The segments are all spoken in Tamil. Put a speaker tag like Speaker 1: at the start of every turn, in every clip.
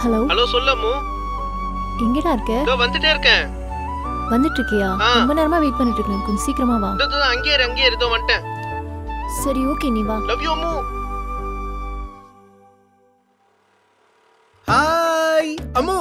Speaker 1: Hello
Speaker 2: hello சொல்லமு.
Speaker 1: எங்கடா இருக்க?
Speaker 2: இதோ வந்துட்டே இருக்கேன்.
Speaker 1: வந்துட்டு இருக்கியா? ரொம்ப நேரமா வெயிட் பண்ணிட்டு இருக்கேன். கொஞ்சம் சீக்கிரமா வா.
Speaker 2: இதோ அங்கேயே இதோ வந்துட்டேன்.
Speaker 1: சரி ஓகே நீ வா.
Speaker 2: Love you Ammu. Hi Ammu.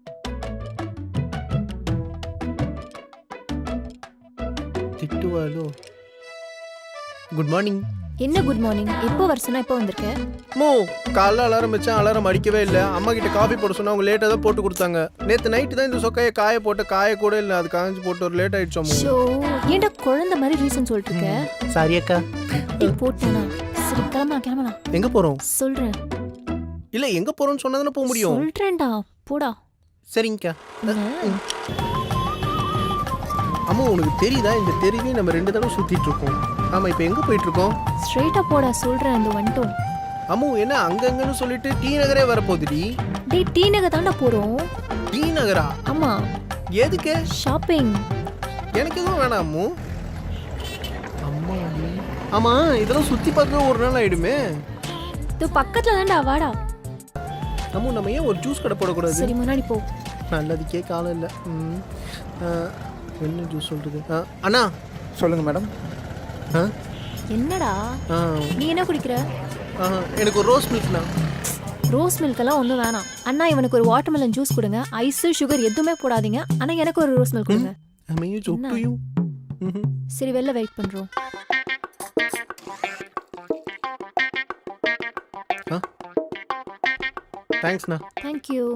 Speaker 2: திட்டுவாளோ? Good morning.
Speaker 1: என்ன குட் மார்னிங்? எப்போ வர சொன்னா எப்போ வந்திருக்க?
Speaker 2: மோ காலைல அலாரம் வச்சேன், அலாரம் அடிக்கவே இல்லை. அம்மா கிட்ட காஃபி போட சொன்னா அவங்க லேட்டாக தான் போட்டு கொடுத்தாங்க. நேற்று நைட்டு தான் இந்த சொக்கையை காய போட்டு காய கூட இல்லை, அது காய்ஞ்சி போட்டு ஒரு லேட் ஆயிடுச்சோம்.
Speaker 1: ஷோ ஏன்டா குழந்தை மாதிரி ரீசன் சொல்லிட்டு இருக்க?
Speaker 2: சாரி அக்கா.
Speaker 1: டேய் போட்டேனா? சரி கிளம்பலாம்.
Speaker 2: எங்க போறோம்?
Speaker 1: சொல்றேன்.
Speaker 2: இல்ல எங்க போறோம்னு சொன்னா தானே போக முடியும்.
Speaker 1: சொல்றேன்டா போடா.
Speaker 2: சரிங்கக்கா. அம்மா உனக்கு தெரியுதா இந்த தெருவே நம்ம 2 தடவை சுத்திட்டு இருக்கோம். ஆமா இப்போ எங்க போயிட்டு இருக்கோம்?
Speaker 1: ஸ்ட்ரைட்டா போடா சொல்றேன். அந்த வந்துட்டோம்.
Speaker 2: அம்மு என்ன அங்கங்கன்னு சொல்லிட்டு டி நகரே வரப்போகுதுடி.
Speaker 1: டேய் டி நகர் தான்டா போறோம்.
Speaker 2: டி நகரா?
Speaker 1: ஆமா.
Speaker 2: எதுக்கு?
Speaker 1: ஷாப்பிங்.
Speaker 2: எனக்கு எதுவும் வேணாம் அம்மு. அம்மா ஆமா இதெல்லாம் சுத்தி பார்க்க ஒரு நாள் ஆயிடுமே.
Speaker 1: இது பக்கத்துல தான்டா வாடா.
Speaker 2: அம்மு நம்ம ஏன் ஒரு ஜூஸ் கடை போடக்கூடாது?
Speaker 1: சரி முன்னாடி போ.
Speaker 2: நல்லதுக்கே காலம் இல்லை. என்ன ஜூஸ் சொல்றது? அண்ணா
Speaker 3: சொல்லுங்க மேடம்.
Speaker 1: என்னடா நீ என்ன குடிக்கிற?
Speaker 2: எனக்கு ஒரு ரோஸ் மில்க்ண்ணா.
Speaker 1: ரோஸ் மில்க் எல்லாம் ஒன்றும் வேணாம். அண்ணா இவனுக்கு ஒரு வாட்டர்மெலன் ஜூஸ் கொடுங்க. ஐஸ் சுகர் எதுவுமே போடாதீங்க. ஆனால் எனக்கு ஒரு ரோஸ் மில்க் கொடுங்க. சரி வெளில வெயிட் பண்ணுறோம்.
Speaker 2: தேங்க்ஸ்ண்ணா.
Speaker 1: தேங்க்யூ.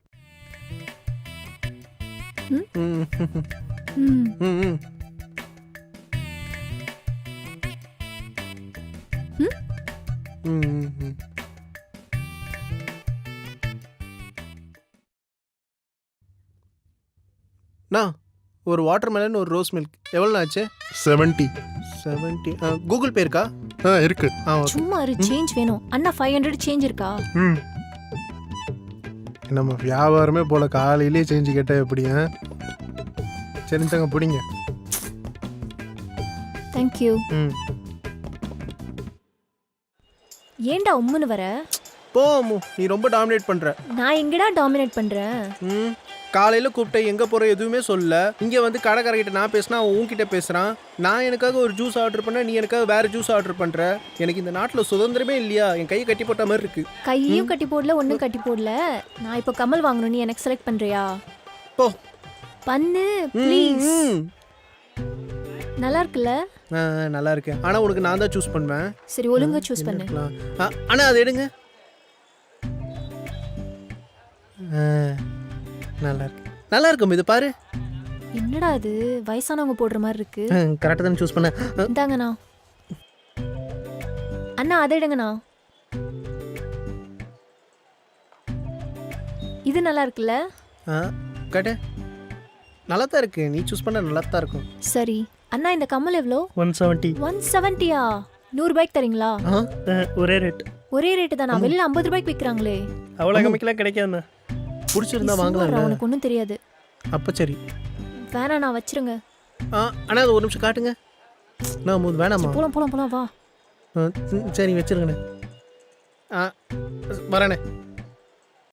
Speaker 2: ஒரு வாட்டர்மெலன் ஒரு ரோஸ் மில்க் எவ்வளோ ஆச்சு?
Speaker 3: 70.
Speaker 2: கூகுள் பே இருக்கா?
Speaker 3: இருக்கு.
Speaker 1: சும்மா ஒரு சேஞ்ச் வேணும். அண்ணா 500 சேஞ்ச் இருக்கா?
Speaker 3: நம்ம வியாபாரமே போல காலையிலே சேஞ்ச் கேட்டா எப்படி? சரி தங்க பிடிங்க.
Speaker 1: தேங்க்யூ. ஏன்டா உம்முன்னு வர?
Speaker 2: போ அம்மு நீ ரொம்ப டாமினேட் பண்ற.
Speaker 1: நான் எங்கடா டாமினேட் பண்றேன்?
Speaker 2: காலையில கூப்பிட்ட எங்க போற எதுவுமே சொல்ல. இங்க வந்து கடைக்காரங்கிட்ட நான் பேசினா அவன் உன்கிட்ட பேசுறான். நான் எனக்காக ஒரு ஜூஸ் ஆர்டர் பண்ண, நீ எனக்காக வேற ஜூஸ் ஆர்டர் பண்ற. எனக்கு இந்த நாட்டுல சுதந்திரமே இல்லையா? என் கையை கட்டி போட்ட மாதிரி இருக்கு.
Speaker 1: கையும் கட்டி போடல ஒன்னும் கட்டி போடல. நான் இப்போ கமல் வாங்கணும், நீ எனக்கு செலக்ட் பண்றியா?
Speaker 2: போ
Speaker 1: பண்ணு ப்ளீஸ். நல்லா இருக்குல்ல?
Speaker 2: நல்லா இருக்கு. ஆனா உனக்கு நான் தான் சூஸ் பண்ணுவேன்.
Speaker 1: சரி ஒழுங்கா சூஸ் பண்ணு.
Speaker 2: ஆனா அது எடுங்க. நல்லா இருக்கும் இது பாரு.
Speaker 1: என்னடா இது வயசானவங்க போடுற மாதிரி இருக்கு.
Speaker 2: கரெக்டா தான் சூஸ் பண்ண.
Speaker 1: இந்தாங்கண்ணா. அண்ணா அதை எடுங்கண்ணா. இது நல்லா இருக்குல்ல?
Speaker 2: கேட்ட நல்லா தான் இருக்கு. நீ சூஸ் பண்ண நல்லா தான் இருக்கும்.
Speaker 1: சரி அண்ணா இந்த கம்மல் எவ்வளோ?
Speaker 2: 170.
Speaker 1: 170யா? 100 ரூபாய்க்கு தரீங்களா?
Speaker 2: ஒரே ரேட்.
Speaker 1: ஒரே ரேட்டு தானா? வெளியில 50 ரூபாய்க்கு விற்கிறாங்களே.
Speaker 2: அவ்வளோ கம்மிக்கெல்லாம் கிடைக்காதுண்ணா. பிடிச்சிருந்தா வாங்கலாம்.
Speaker 1: உனக்கு ஒன்றும் தெரியாது.
Speaker 2: அப்போ சரி
Speaker 1: வேணா நான் வச்சிருங்க.
Speaker 2: அண்ணா அது ஒரு நிமிஷம் காட்டுங்க. நான் வேணாமா?
Speaker 1: போலாம் வா.
Speaker 2: சரி வச்சிருங்கண்ணே. வரேண்ணே.